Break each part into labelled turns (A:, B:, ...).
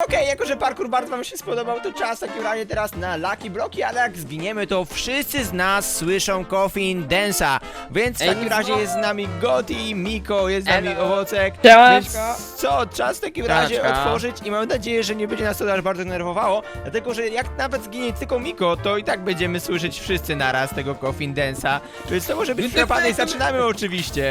A: Okej, jako że parkour bardzo wam się spodobał, to czas w takim razie teraz na Lucky Bloki, ale jak zginiemy, to wszyscy z nas słyszą Coffin Dance'a. Więc w takim razie jest z nami Goti, Miko, jest z nami Owocek. Więc co, czas w takim razie otworzyć i mam nadzieję, że nie będzie nas to aż bardzo denerwowało, dlatego że jak nawet zginie tylko Miko, to i tak będziemy słyszeć wszyscy naraz tego Coffin Dance'a. Więc to może być naprawdę i zaczynamy oczywiście.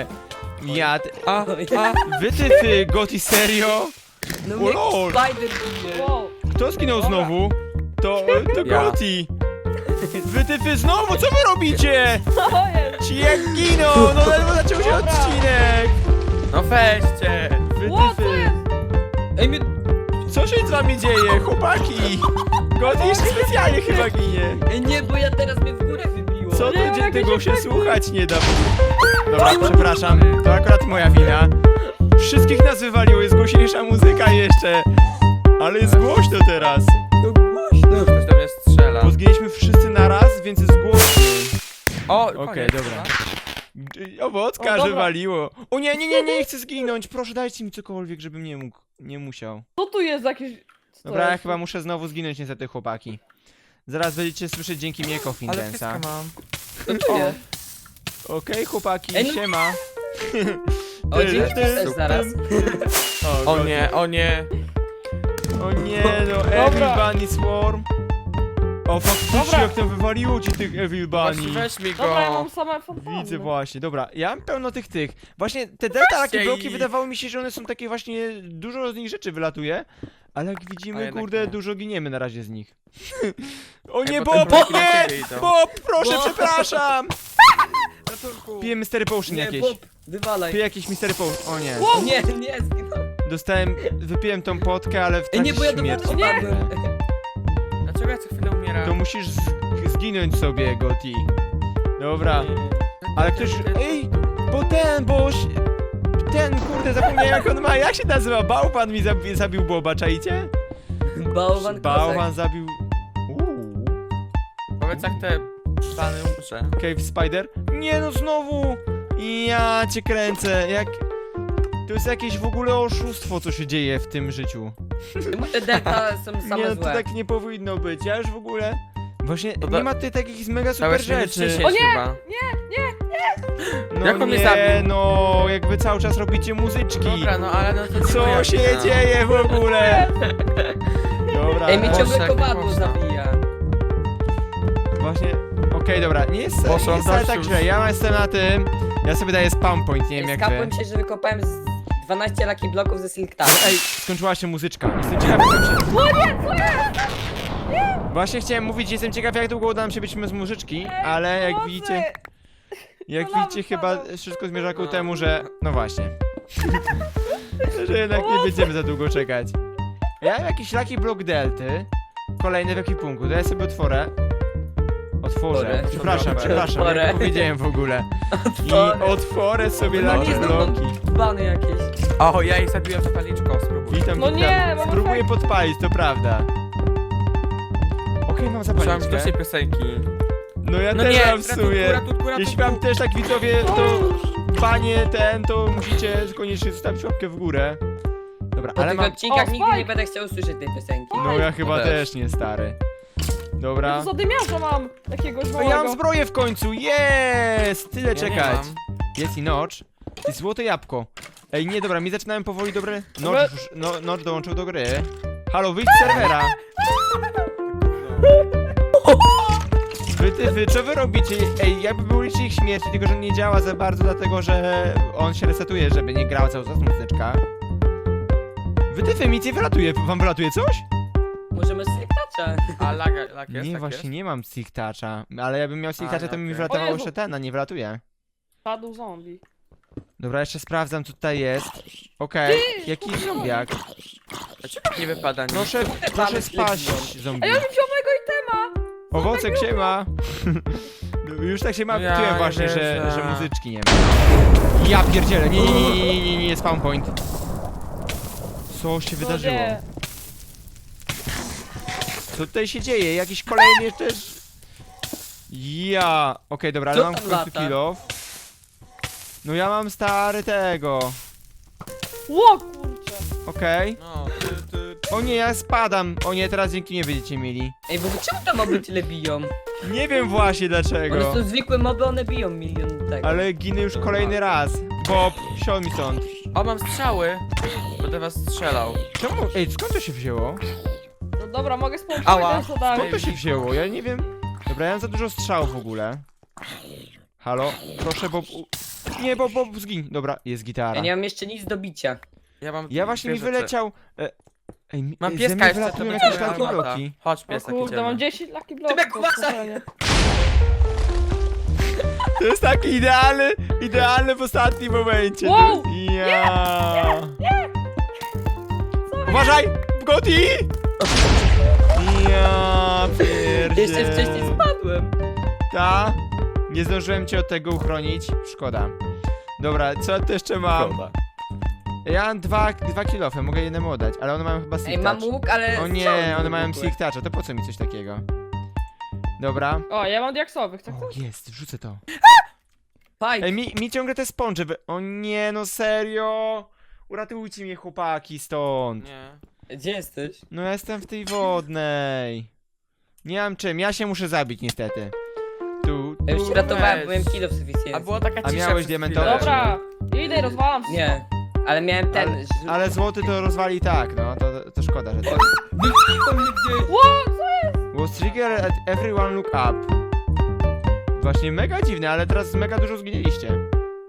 A: Wytyfy, Goti, serio?
B: No
A: O
B: mnie
A: lol.
B: Spider bije.
C: Wow.
A: Kto zginął znowu? To Goti. Wytyfy znowu, co wy robicie?
C: Co jest?
A: Ci jak giną, no ledwo zaczął się
C: Dobra.
A: odcinek.
D: No weźcie!
C: Ło, co
A: Wytyfy.
C: jest?
B: Ej, mnie...
A: Co się z wami dzieje, chłopaki? Goti jeszcze specjalnie chyba ginie.
B: Ej, nie, bo ja teraz mnie w górę wybiło.
A: Co
C: Nie,
A: to
C: jakoś
A: tego się
C: efekty.
A: słuchać nie da? Dobra, przepraszam, to akurat moja wina. Wszystkich nas wywaliło, jest głośniejsza muzyka jeszcze. Ale jest głośno teraz.
B: To głośno.
D: Ktoś do mnie strzela.
A: Bo zginęliśmy wszyscy naraz, więc jest głośno.
D: O,
A: Okej,
D: koniec.
A: dobra.
C: O,
A: Owocka,
C: dobra.
A: że waliło. O nie, nie, nie, nie chcę zginąć. Proszę, dajcie mi cokolwiek, żebym nie mógł, nie musiał.
C: Co tu jest jakieś... co to
A: Dobra, ja
C: jest?
A: chyba muszę znowu zginąć niestety, chłopaki. Zaraz będziecie słyszeć dzięki mnie Coffin
D: Ale
A: Dance'a.
D: wszystko mam.
B: To tu jest.
A: Okej, chłopaki,
B: Ej, no-
A: siema.
B: O, dzięki też zaraz.
A: O,
D: O nie, o nie.
A: O nie, no Evil Bunny Swarm. O, faktycznie,
C: Dobra.
A: jak tam wywaliło ci tych Evil
D: Właśnie
A: Bunny.
D: weź mi
C: Dobra, ja
D: go.
C: mam same fantasmy.
A: Widzę właśnie, dobra, ja mam pełno tych. Właśnie te delta takie
D: Weźcie
A: bloki
D: ich.
A: wydawało mi się, że one są takie właśnie, dużo z nich rzeczy wylatuje. Ale jak
D: A
A: widzimy,
D: jednak
A: kurde,
D: nie.
A: dużo giniemy na razie z nich. O
D: Ej,
A: nie,
D: bo te
A: Bob,
D: bloki na
A: nie!
D: ciebie idą.
A: Bob, proszę,
B: Bob.
A: przepraszam!
D: Ratunku.
A: Piję Mystery Potion
B: Nie,
A: jakieś.
B: Bob, wywalaj.
A: Piję jakieś Mystery Potion, o nie.
B: O nie, nie, zginąłem.
A: Wypiłem tą potkę, ale w
B: Ej,
A: trakcie
B: nie, bo ja do
A: śmierci.
B: wody spadłem.
D: Dlaczego ja co chwilę umieram?
A: To musisz zginąć sobie, Goti. Dobra. Ale ktoś... Ej, ten, kurde, zapomniałem jak on ma, jak się nazywa? Bałwan mi zabił Boba, czaicie?
B: Bałwan
A: Bałwan zabił...
D: Powiedz jak te plany umrze.
A: Cave Spider? Nie no, znowu! Ja cię kręcę, jak... To jest jakieś w ogóle oszustwo, co się dzieje w tym życiu.
B: Czemu te delta są
A: Nie
B: same
A: no, to
B: złe?
A: tak nie powinno być, ja już w ogóle... Właśnie,
D: To
A: nie ma tutaj takich mega
D: Całe
A: super rzeczy.
D: O nie! Chyba.
A: No
D: Jak on mnie
A: nie,
D: zabił?
A: no, jakby cały czas robicie muzyczki.
D: Dobra, no ale no to nie moja
A: Co się
D: wina.
A: dzieje w ogóle? Dobra,
B: Ej, mnie
D: Boże,
B: ciągle
D: jak
B: kowadło
D: można.
B: zabija.
A: właśnie, okej, dobra, nie jest
D: Boże,
A: nie jest wcale tak
D: Dasiu.
A: źle, ja jestem na tym, ja sobie daję spawn point, nie wiem jak wy.
B: Skapłem się, że wykopałem z 12 lucky bloków ze Silk Tower.
A: Ej, skończyła się muzyczka, jestem ciekaw jak nam się...
C: No nie, co jest?
A: Właśnie chciałem mówić, jestem ciekaw jak długo uda nam się być bez muzyczki, ale jak
C: Pomocy!
A: widzicie, jak
C: No
A: widzicie chyba
C: lampę.
A: wszystko zmierza ku
D: No.
A: temu, że... No właśnie. Że jednak nie będziemy za długo czekać. Ja mam jakiś Lucky Block Delty, kolejny w ekwipunku, to ja sobie otworzę. Otworzę,
B: Otworzę.
A: przepraszam,
B: Otworzę.
A: jak powiedziałem w ogóle. I
B: Otworzę.
A: otworzę sobie
B: No
A: Lucky
B: nie, znowu
A: Blocki.
B: bany jakieś.
D: O, ja jej zabiłem zapalniczką, spróbuj.
A: Witam,
C: No
A: witam.
C: nie, mam
A: Spróbuję
C: efekt.
A: podpalić, to prawda. Okej, mam
D: Słyszałem
A: zapalniczkę.
D: wcześniej piosenki.
A: No ja
D: No
A: też
D: nie,
A: mam w sumie.
D: ratunku.
A: Jeśli wam też tak widzowie, to panie to musicie koniecznie zostawić łapkę w górę. Dobra,
B: Po
A: ale
B: tych
A: mam...
B: odcinkach
C: O,
B: nigdy nie
C: Spike!
B: będę chciał usłyszeć tej piosenki.
A: No ja chyba
D: też.
A: też nie, stary. Dobra.
C: To zadymiarza mam jakiegoś
A: No ja
C: małego.
A: mam zbroję w końcu, jest! Tyle
D: Ja nie
A: czekać.
D: mam.
A: Jest i nocz. I złote jabłko. Ej, nie, dobra, mi zaczynałem powoli dobre... Nocz dołączył do gry. Halo, wyjdź z serwera. Wy, co wy robicie? Ej, jakby był licznik śmierci, tylko że nie działa za bardzo, dlatego że on się resetuje, żeby nie grała cały czas muzyczka. Wytyfy, mi nie wylatuje. Wam wylatuje coś?
B: Możemy z Silk Toucha.
D: A lag jest,
A: Nie,
D: tak
A: właśnie
D: jest?
A: nie mam Silk Toucha. Ale jakbym miał Silk
D: A,
A: Toucha, to mi
D: okej.
A: wylatował
C: O Jezu.
A: jeszcze ten, a nie wylatuje.
C: Padł zombie.
A: Dobra, jeszcze sprawdzam, co tutaj jest. Okej, jakiś zombiak.
D: Dlaczego nie wypada nic?
A: Proszę spaść, zombie.
C: Ej, on mi wziął mojego itema!
A: Owocek się ma. Już tak się
D: Ja
A: martwiłem
D: nie
A: właśnie,
D: wierzę.
A: że muzyczki nie ma. Ja pierdzielę, nie, spawn point. Co się wydarzyło?
C: No nie.
A: Co tutaj się dzieje? Jakiś kolejny też... Okej, dobra, ale
B: Co
A: mam w
B: tam
A: końcu
B: lata?
A: kill off. No ja mam stary tego.
C: Ło, kurczę.
A: Okej.
D: No,
A: O nie, ja spadam. O nie, teraz dzięki mnie będziecie mieli.
B: Ej, bo czemu te moby tyle biją?
A: Nie wiem właśnie
B: One
A: dlaczego.
B: są zwykłe moby, one biją milion tego.
A: Ale ginę już kolejny raz. Bob, siądź mi stąd.
D: O, mam strzały. Będę was strzelał.
A: Czemu? Ej, skąd to się wzięło?
C: No dobra, mogę
D: Ała.
C: spróbować też zadać.
A: Skąd to się wzięło? Ja nie wiem. Dobra, ja mam za dużo strzałów w ogóle. Halo? Proszę, Bob. Nie, Bob, zgiń. Dobra, jest gitara.
B: Ja nie mam jeszcze nic do bicia.
D: Ja mam
A: Ja właśnie mi
D: dwie rzeczy.
A: wyleciał. Ej,
D: Mam
A: ze
D: pieska
A: mnie
D: jeszcze, to
A: wylatują
D: będzie
A: jakieś
D: moja
A: takie
D: robota.
A: bloki.
D: Chodź,
C: O
D: piesek,
C: kurde, mam
D: idziemy.
C: 10 lucky bloków.
B: Tymek, uważaj!
C: spokojnie.
A: To jest taki idealny w ostatnim momencie.
C: Wow!
A: Ja. Uważaj! Goti! Ja pierdzie.
B: Jeszcze wcześniej spadłem.
A: Ta? Nie zdążyłem cię od tego uchronić. Szkoda. Dobra, co ja tu jeszcze mam? Ja mam dwa kilofy, mogę jednemu oddać, ale one mają chyba
B: Ej,
A: silk
B: mam
A: touch.
B: łuk, ale...
A: O nie,
B: strzały
A: one mają
B: zwykłe.
A: silk toucha, to po co mi coś takiego? Dobra.
C: O, ja mam diaksowych, tak?
A: O, jest, wrzucę to.
B: Fajt.
A: Ej, mi ciągle te sponże O nie, no serio! Uratujcie mnie, chłopaki, stąd.
D: Nie.
B: Gdzie jesteś?
A: No ja jestem w tej wodnej. Nie mam czym, ja się muszę zabić niestety.
B: Ja już się ratowałem,
D: weź.
B: byłem kilo w
D: A
B: sufficjencji.
D: była taka
A: A
D: cisza
A: miałeś
D: przez
A: diamentowe?
D: chwilę.
C: Dobra, idę i rozwalam wszystko.
B: Nie. Ale miałem ten...
A: Ale złoty to rozwali tak, no, to szkoda, że to.
B: Wypchnął mnie gdzieś.
A: Was trigger at everyone look up. Właśnie mega dziwne, ale teraz mega dużo zginęliście.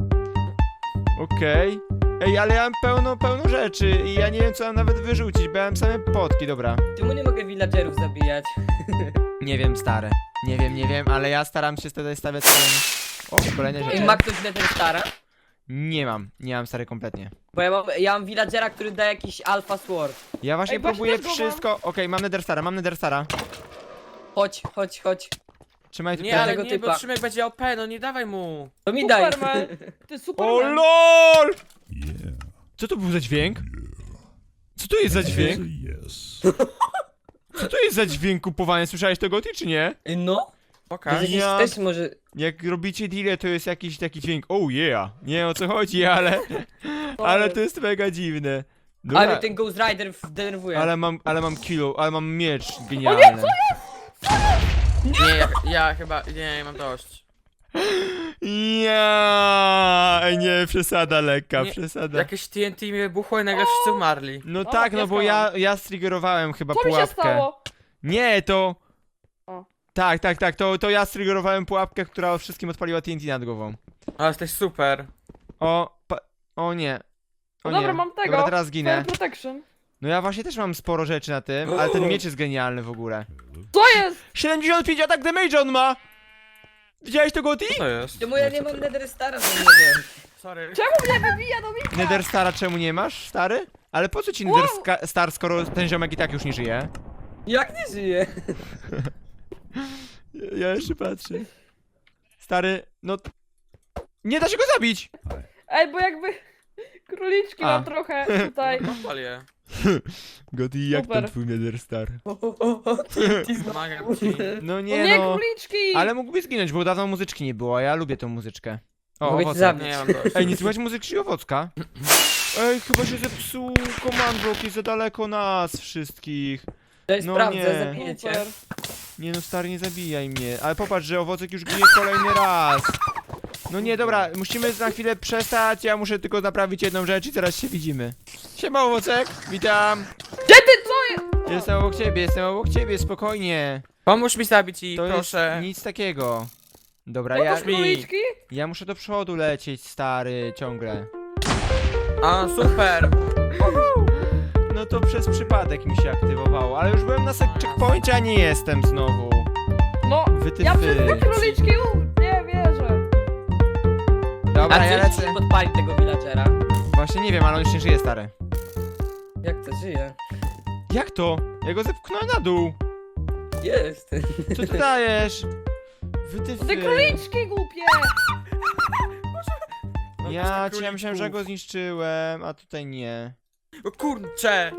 A: Okej. Ej, ale ja mam pełno rzeczy i ja nie wiem co mam nawet wyrzucić, bo ja mam same potki, dobra.
B: Czemu nie mogę villagerów zabijać?
A: Nie wiem, stary. Nie wiem, ale ja staram się wtedy stawiać swoim... O, kolejne
B: Ej,
A: rzeczy.
B: ma ktoś Nether Stara?
A: Nie mam stary kompletnie.
B: Bo ja mam villagera, który da jakiś alpha sword.
A: Ja właśnie
C: Ej, właśnie
A: próbuję
C: też go mam.
A: wszystko... Okej, mam Nether Stara.
B: Chodź.
A: Trzymaj tu
D: Nie, ale
B: tego
D: nie, bo
B: typa.
D: Szymek będzie OP, no nie dawaj mu.
B: To mi daj.
C: Superman. Ty
A: O
C: Superman.
A: LOL! Co to był za dźwięk? Co to jest za dźwięk? Co to jest za dźwięk kupowania? Słyszałeś to Goty czy nie?
B: No?
D: Pokaż.
B: Jakiś
A: Ja-
B: też może...
A: Jak robicie deale, to jest jakiś taki dźwięk. Oh yeah! Nie wiem o co chodzi, ale to jest mega dziwne. Dobra,
B: Ale ten Ghost Rider denerwuje.
A: ale mam kilo, ale mam miecz genialny.
D: Nie, ja chyba, nie, mam dość.
A: Ja, ej nie, przesada lekka,
D: Nie,
A: przesada.
D: Jakieś TNT mi wybuchło i nagle wszyscy umarli.
A: No
C: O,
A: tak, no bo
C: pieska
A: ja striggerowałem chyba
C: Co mi się
A: pułapkę.
C: stało?
A: Nie, to...
C: O.
A: Tak, to ja striggerowałem pułapkę, która wszystkim odpaliła TNT nad głową.
D: Ale jesteś super.
A: O nie. O
C: No dobra,
A: nie.
C: mam tego.
A: Dobra, teraz ginę.
C: Fire protection.
A: No ja właśnie też mam sporo rzeczy na tym, ale ten miecz jest genialny w ogóle.
C: Co jest?
A: 75 atak damage on ma! Widziałeś to, Gotti?
D: Co to jest?
B: Czemu ja nie mam Nether Stara, to nie wiem.
D: Sorry.
C: Czemu mnie wybija do Mika?
A: Nether Stara czemu nie masz, stary? Ale po co ci
C: Wow.
A: Nether Star, skoro ten ziomek i tak już nie żyje?
B: Jak nie żyje?
A: Ja jeszcze patrzę. Stary, no... Nie da się go zabić!
C: Ej, bo jakby... Króliczki
A: A.
C: mam trochę tutaj.
D: Odpal je.
A: Gotti, jak
C: Super.
A: tam twój Nether Star?
D: Pomagam ci.
A: No
C: No
A: nie
C: nie,
A: no...
C: króliczki!
A: Ale mógłby zginąć, bo dawno muzyczki nie było, a ja lubię tą muzyczkę. O,
B: Mogę cię
A: owoce.
B: zabić.
D: Nie, mam dość.
A: Ej, nie słychać muzyczki owocka? Ej, chyba się zepsuł command block, jest za daleko nas wszystkich.
B: To jest
A: No
B: sprawdzę,
A: nie.
B: zabijecie.
C: Super.
A: Nie no, stary, nie zabijaj mnie. Ale popatrz, że owocek już ginie kolejny raz. No nie, dobra, musimy na chwilę przestać, ja muszę tylko naprawić jedną rzecz i zaraz się widzimy. Siema, owocek, witam.
C: Gdzie ty, co jest?
A: Jestem obok ciebie, spokojnie.
D: Pomóż mi zabić ich,
A: To
D: proszę.
A: jest nic takiego. Dobra,
C: No
A: ja,
C: to króliczki?
A: ja muszę do przodu lecieć, stary, ciągle.
D: A, super.
A: No to przez przypadek mi się aktywowało, ale już byłem na checkpoincie, a nie jestem znowu.
C: No,
A: Wytyfy.
C: ja przez te króliczki nie wierzę.
A: Dobra,
B: A
A: ja
B: czy
A: lecę.
B: nie podpalił tego villagera?
A: Właśnie nie wiem, ale on już nie żyje, stary.
B: Jak to żyje?
A: Jak to? Ja go zepchnąłem na dół.
B: Jest.
A: Co ty dajesz? Wytyfy.
C: Te króliczki głupie!
A: Ja myślałem, że go zniszczyłem, a tutaj nie.
D: O kurcze.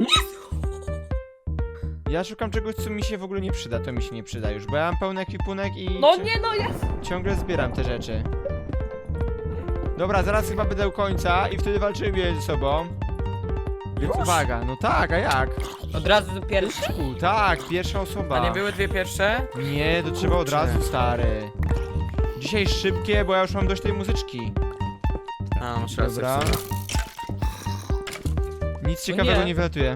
A: Ja szukam czegoś, co mi się w ogóle nie przyda, to mi się nie przyda już, bo ja mam pełny ekwipunek i
C: No nie, no jest!
A: ciągle zbieram te rzeczy. Dobra, zaraz chyba będę u końca i wtedy walczymy ze sobą. Więc
D: Już?
A: uwaga, no tak, a jak?
B: Od razu do pierwszy?
A: Tak, pierwsza osoba.
D: A nie były dwie pierwsze?
A: Nie, to trzeba od razu, stary. Dzisiaj szybkie, bo ja już mam dość tej muzyczki.
D: A, masz rację.
A: Dobra. Nic ciekawego
B: nie.
A: nie wylatuje.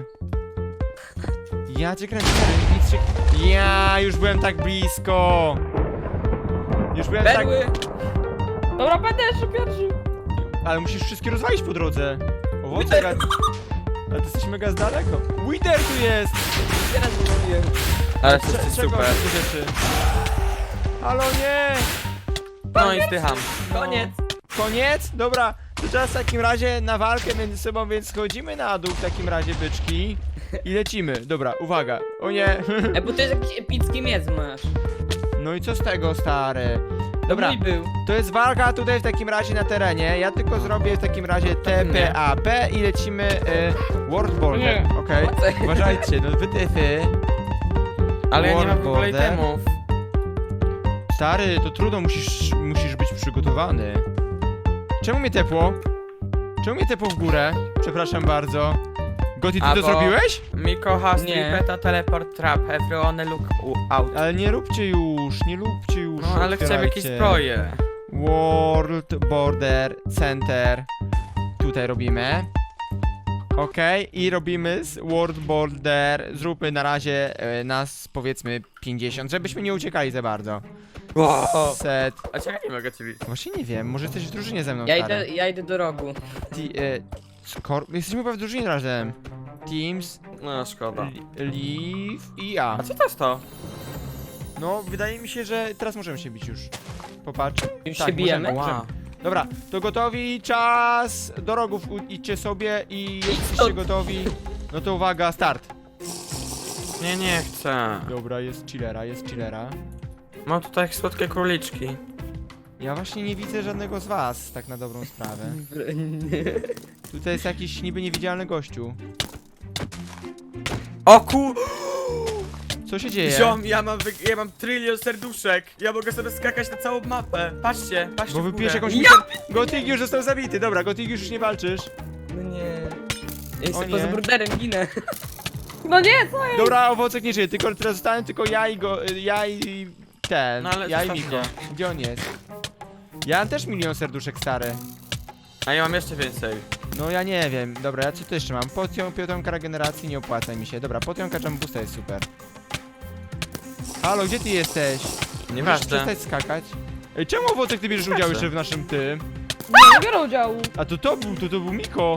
A: Ja cię kręcę, stary, nic ciekawego. Ja już byłem tak blisko. Już byłem tak...
B: Perły!
C: Dobra, będę jeszcze pierwszy.
A: Ale musisz wszystkie rozwalić po drodze. Owoce, ale ty jesteś mega z daleko. Wither tu jest!
B: Teraz mówiłem.
D: Ale
A: Cze-
D: jesteś
A: czego
D: super.
A: te rzeczy? Halo, nie!
D: No i zdycham.
B: Koniec.
A: Koniec? Dobra, to czas w takim razie na walkę między sobą, więc schodzimy na dół w takim razie, byczki. I lecimy. Dobra, uwaga. O nie.
B: Bo to jest jakiś epicki miec masz.
A: No i co z tego, stary? Dobra,
B: Mój był.
A: to jest walka tutaj w takim razie na terenie. Ja tylko zrobię w takim razie TPAP i lecimy World Border.
C: Nie.
A: Okej, uważajcie, no wytyfy.
D: Ale ja nie mam w ogóle
A: Border.
D: itemów.
A: Stary, to trudno, musisz być przygotowany. Czemu mnie tepło? Czemu mnie tepło w górę? Przepraszam bardzo. Gotti, ty
D: A
A: to
D: bo-
A: zrobiłeś?
D: Miko has
B: Nie.
D: tripeta teleport trap. Everyone look out.
A: Ale nie róbcie już, nie róbcie już.
D: No ale chcę jakieś
A: otwierajcie.
D: zbroje.
A: World Border Center. Tutaj robimy. Okej, i robimy z World Border. Zróbmy na razie nas powiedzmy 50, żebyśmy nie uciekali za bardzo.
D: Wow.
A: Set.
D: A czekaj, nie mogę cię widzieć.
A: Właśnie nie wiem, może jesteś w drużynie ze mną,
B: Ja
A: stary.
B: idę do rogu.
A: Jesteśmy chyba w drużynie razem. Teams,
D: No szkoda.
A: Leave i ja.
D: A co to jest to?
A: No, wydaje mi się, że teraz możemy się bić już. Popatrz.
B: Już się bijemy?
A: możemy.
D: Wow.
A: Dobra, to gotowi, czas do rogów idźcie sobie i jesteście
B: stąd.
A: gotowi. No to uwaga, start.
D: Nie chcę.
A: Dobra, jest chillera.
D: Mam tutaj słodkie króliczki.
A: Ja właśnie nie widzę żadnego z was, tak na dobrą sprawę. Tutaj jest jakiś niby niewidzialny gościu.
D: O ku...
A: Co się dzieje?
D: Ziom, ja mam trylion serduszek. Ja mogę sobie skakać na całą mapę. Patrzcie
A: Bo
D: w
A: wypijesz
D: górę.
A: jakąś... Gotik już został zabity, dobra, Gotik już nie walczysz.
B: No nie. Ja
A: O
B: jestem
A: nie.
B: poza borderem, ginę.
C: No nie, co jest?
A: Dobra, owocek nie żyje, tylko teraz zostałem tylko ja i ten,
D: No ale
A: ja i
D: zostaw
A: Miko.
D: mnie.
A: Gdzie on jest? Ja mam też milion serduszek, stary.
D: A ja mam jeszcze więcej.
A: No ja nie wiem, dobra, ja co tu jeszcze mam? Potionka regeneracji, nie opłaca mi się. Dobra, potionka jumbusta jest super. Halo, gdzie ty jesteś? Możesz
D: Nieważne.
A: przestać skakać? Ej, czemu owocek ty bierzesz udział jeszcze w naszym tym?
C: Nie biorę udziału.
A: A to był Miko.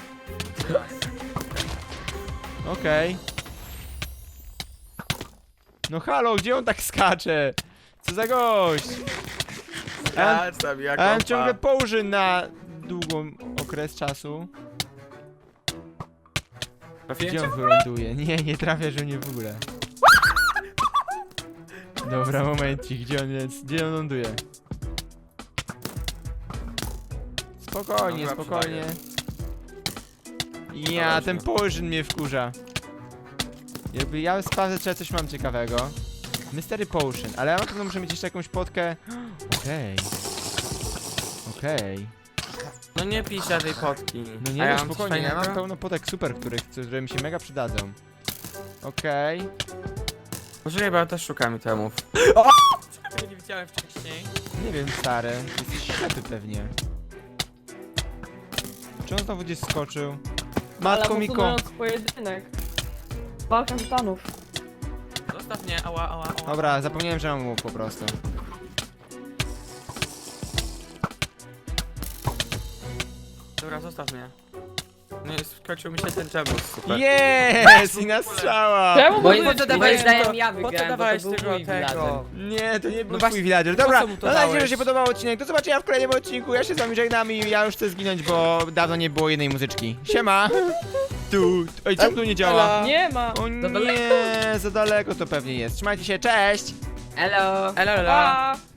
A: Okej. No halo, gdzie on tak skacze? Co za gość?
D: Wracam, jak
A: A ja mam
D: opa.
A: ciągle położy na długą okres czasu.
D: Trafiłem
A: Gdzie
D: cię?
A: on wyląduje? Nie trafiasz mnie w ogóle. Dobra, momencik, gdzie on jest? Gdzie on ląduje? Spokojnie,
D: Dobra,
A: spokojnie. Ja,
D: Dobra,
A: ten położyn mnie wkurza. Jakby ja sprawdzę, czy ja coś mam ciekawego. Mystery Potion, ale ja na pewno muszę mieć jeszcze jakąś potkę. Okej. Okej.
D: No nie pij się tej potki.
A: No
D: A
A: nie,
D: ja
A: no
D: mam coś
A: spokojnie, ja mam
D: fajnego?
A: pełno potek super, które mi się mega przydadzą. Okej.
D: Poczekaj, bo ja też szukam itemów. Czekaj, nie widziałem wcześniej.
A: Nie wiem, stary. Jesteś ślepy pewnie. Czy on znowu gdzieś skoczył? Matko
C: Ale
A: Miko.
C: posunując pojedynek. Walka tytanów.
D: Zostaw mnie, ała.
A: Dobra, zapomniałem, że mam łuk po prostu.
D: Dobra, zostaw mnie. Nie, skończył mi się ten jabus, super.
A: Jest! I na strzała!
C: Czemu
B: Moim
C: budujesz
B: moim zdaniem
D: to-
B: ja
D: po co
B: wygrałem, bo to
D: dawałeś
B: był
D: tego,
B: mój villager.
A: Nie, to nie był
D: No
A: twój
D: właśnie,
A: villager.
D: po
A: Dobra,
D: co mu to
A: mam nadzieję, że
D: dałeś?
A: się podobał odcinek. Do zobaczenia w kolejnym odcinku. Ja się z wami żegnam i ja już chcę zginąć, bo dawno nie było jednej muzyczki. Siema! Tu. Ej, czemu tu nie działa?
C: Nie ma.
A: O
B: Za
A: nie, za daleko to pewnie jest. Trzymajcie się, cześć!
B: Elo.
D: Elo.
C: Pa.